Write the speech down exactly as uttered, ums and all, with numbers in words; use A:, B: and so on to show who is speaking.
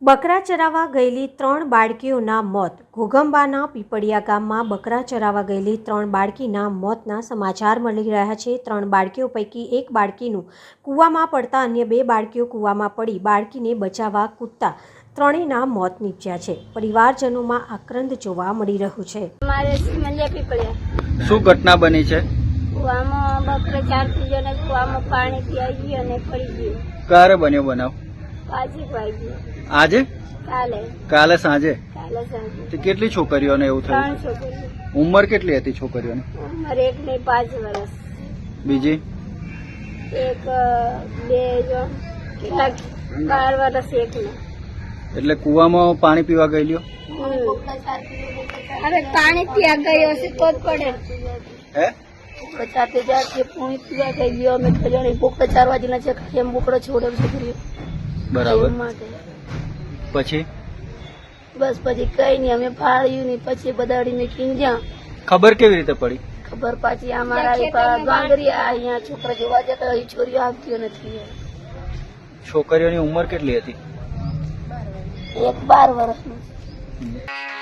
A: બકરા ચરાવવા ગયેલી ત્રણ બાળકીઓના મોત. ઘોઘંબાના પીપળિયા ગામમાં બકરા ચરાવવા ગયેલી ત્રણ બાળકીના મોતના સમાચાર મળી રહ્યા છે. ત્રણ બાળકીઓ પૈકી એક બાળકીનું કૂવામાં પડતા અન્ય બે બાળકીઓ કૂવામાં પડી બાળકીને બચાવવા કૂદતા ત્રણેયના મોત નીપજ્યા છે. પરિવારજનોમાં આક્રંદ જોવા મળી રહ્યું છે.
B: મારે સિમલિયા પીપળિયા
C: શું ઘટના બની છે?
B: કૂવામાં બકરા ચાર જણે કૂવામાં પાણી પીવાઈ ગયું અને પડી ગયું.
C: ક્યારે બન્યો બનાવ?
B: પાછી વાગી
C: આજે?
B: કાલે
C: કાલે સાંજે?
B: કાલે સાંજે.
C: તે કેટલી છોકરીઓને એવું
B: ત્રણ
C: થયું?
B: છોકરીઓ.
C: ઉંમર કેટલી હતી છોકરીઓની?
B: ઉંમર એક ને પાંચ વર્ષ.
C: બીજી?
B: એક બે જો કેટલાક બાર વર્ષ એક ને.
C: એટલે કુવામાં પાણી પીવા ગયેલીઓ?
B: હવે પાણી પીવા ગયો હશે તો જ પડે.
C: હે?
B: પચાસ હજાર થી પાણી પીવા ગઈ ગયો અમે તો જાણે બોકડા ચાર વાગીના છે એમ બોકડો છોડે છોકરીઓ
C: બરાબર.
B: માટે
C: પછી
B: બસ પછી કઈ નઈ અમે ફાળ્યું નહીં પછી બદાડી મેં કીન જ્યાં
C: ખબર કેવી રીતે પડી?
B: ખબર પાછી અમારા ગાંગરી અહીંયા છોકરા જોવા જતા એ છોરીઓ આવતી નથી.
C: છોકરીઓની ઉંમર કેટલી હતી?
B: એક બાર વર્ષની.